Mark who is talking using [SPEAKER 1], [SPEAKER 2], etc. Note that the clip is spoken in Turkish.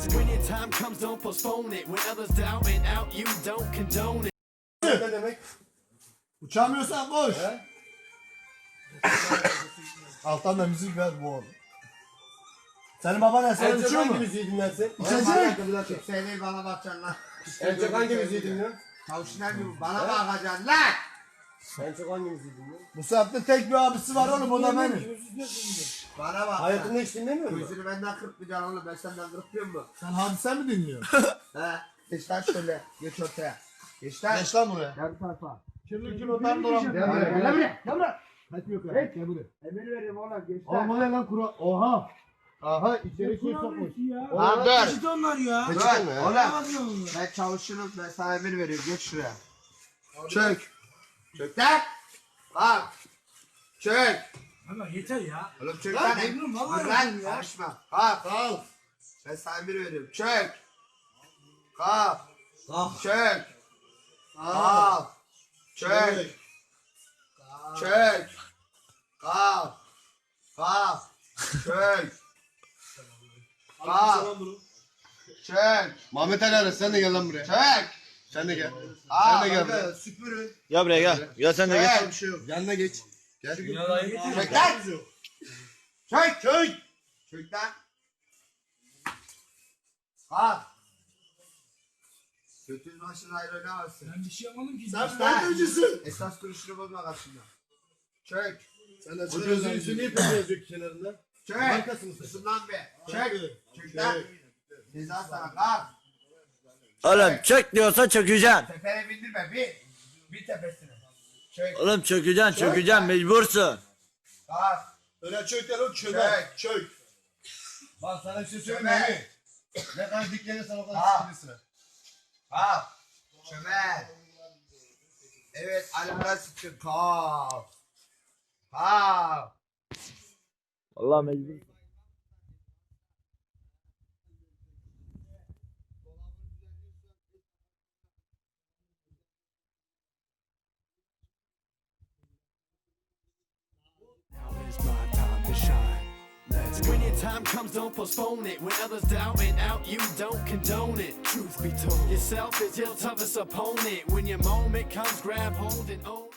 [SPEAKER 1] When your time comes, don't postpone it. When others doubt and out, you don't condone it.
[SPEAKER 2] Ne demek?
[SPEAKER 3] Uçamıyorsan koş.
[SPEAKER 2] He?
[SPEAKER 3] Alttan da müzik ver bu oğlum. Senin baban ne? Sen
[SPEAKER 2] En çok
[SPEAKER 3] uçuyor
[SPEAKER 2] hangi
[SPEAKER 3] mu?
[SPEAKER 2] müziği dinlersin?
[SPEAKER 3] İçecek.
[SPEAKER 4] Söyle bana bakacaksın lan.
[SPEAKER 2] En çok hangi müziği dinliyorsun?
[SPEAKER 4] Tavşinler gibi bana bakacaksın lan.
[SPEAKER 2] En çok hangi müziği dinliyorsun?
[SPEAKER 3] Bu saatte tek bir abisi var oğlum, o da benim.
[SPEAKER 4] Bana bak.
[SPEAKER 2] Hayatında hiç dinlemiyor musun?
[SPEAKER 4] Gözünü benden kırpmayacaksın oğlum, ben senden kırpmıyor mu?
[SPEAKER 3] Sen hadise mi dinliyorsun?
[SPEAKER 4] He. Geç lan şöyle. Geç ortaya. Geç lan.
[SPEAKER 3] Geç lan buraya.
[SPEAKER 4] Gel bu tarafa.
[SPEAKER 3] Kirli kilodan dolan.
[SPEAKER 4] Gel buraya. Gel buraya. Gel buraya.
[SPEAKER 3] Kaçmıyor kadar. Gel buraya.
[SPEAKER 4] Emir veririm oğlum. Geç
[SPEAKER 3] Oğlum
[SPEAKER 4] lan.
[SPEAKER 3] o ne lan kura? Oha. Aha içeri şey sokmuş.
[SPEAKER 4] Lan dur.
[SPEAKER 5] Peçete onlar ya.
[SPEAKER 4] Dur.
[SPEAKER 2] Peçete mi ya?
[SPEAKER 4] Oğlum. Ben çalışırım. Ben sana emir veriyorum. Geç şuraya. Çök. Çök lan. Bak. Çök.
[SPEAKER 5] Ama yeter ya.
[SPEAKER 4] Oğlum çök
[SPEAKER 5] Lan
[SPEAKER 4] lan.
[SPEAKER 5] memnun, vallahi
[SPEAKER 4] Dur lan.
[SPEAKER 5] memnun ya.
[SPEAKER 4] Karışma. Kalk.
[SPEAKER 3] Al.
[SPEAKER 4] Ben sana emir veriyorum. Çök. Kalk.
[SPEAKER 5] Kalk.
[SPEAKER 4] Çök. Kalk. Çök. Çök. Kalk. Kalk. Çök. Kalk. Çök.
[SPEAKER 3] Mehmet Ali Aras, sen de gel lan buraya.
[SPEAKER 4] Çök.
[SPEAKER 3] Sen de gel.
[SPEAKER 4] Aa,
[SPEAKER 3] Sen de gel
[SPEAKER 4] bakın,
[SPEAKER 3] buraya.
[SPEAKER 4] süpürün.
[SPEAKER 6] Gel buraya gel. Gel sen de
[SPEAKER 4] Çök.
[SPEAKER 6] gel.
[SPEAKER 3] Bir şey yok. Yanına geç. Gel.
[SPEAKER 4] Çök lan. Çök. Çök. Çök lan. Kalk. Götünün başına ayrı oynamazsın.
[SPEAKER 5] Ben bir şey yapmadım ki.
[SPEAKER 3] Sen FETÖ'cüsün.
[SPEAKER 4] Esas duruşunu bozma karşımda. Çök.
[SPEAKER 3] Sen de
[SPEAKER 2] Bu gözün üstü niye pek yazıyor kenarında?
[SPEAKER 4] Çök.
[SPEAKER 3] Markası mısın?
[SPEAKER 4] Susun lan be. Çök. Çök lan. Ceza sana kalk.
[SPEAKER 6] Oğlum çök diyorsa çökeceksin.
[SPEAKER 4] Tepene bindirme bir. Bir tepesine. Çök.
[SPEAKER 6] Oğlum çökeceksin mecbursun.
[SPEAKER 4] Kalk.
[SPEAKER 3] Öyle çök gel o çömer.
[SPEAKER 4] Çök.
[SPEAKER 3] Çök. Bak sana bir şey söyleyeyim
[SPEAKER 4] Çömer.
[SPEAKER 3] mi? Ne kadar diklenirsen o kadar
[SPEAKER 4] Ha.
[SPEAKER 3] sıkıntısın.
[SPEAKER 4] Kalk. Çömel. Evet, alara sıkın. Kalk. Kalk.
[SPEAKER 6] Vallahi mecbur.
[SPEAKER 1] Now is my time to shine. When your time comes, don't postpone it. When others doubt and out, you don't condone it. Truth be told, yourself is your toughest opponent. When your moment comes, grab hold and own it.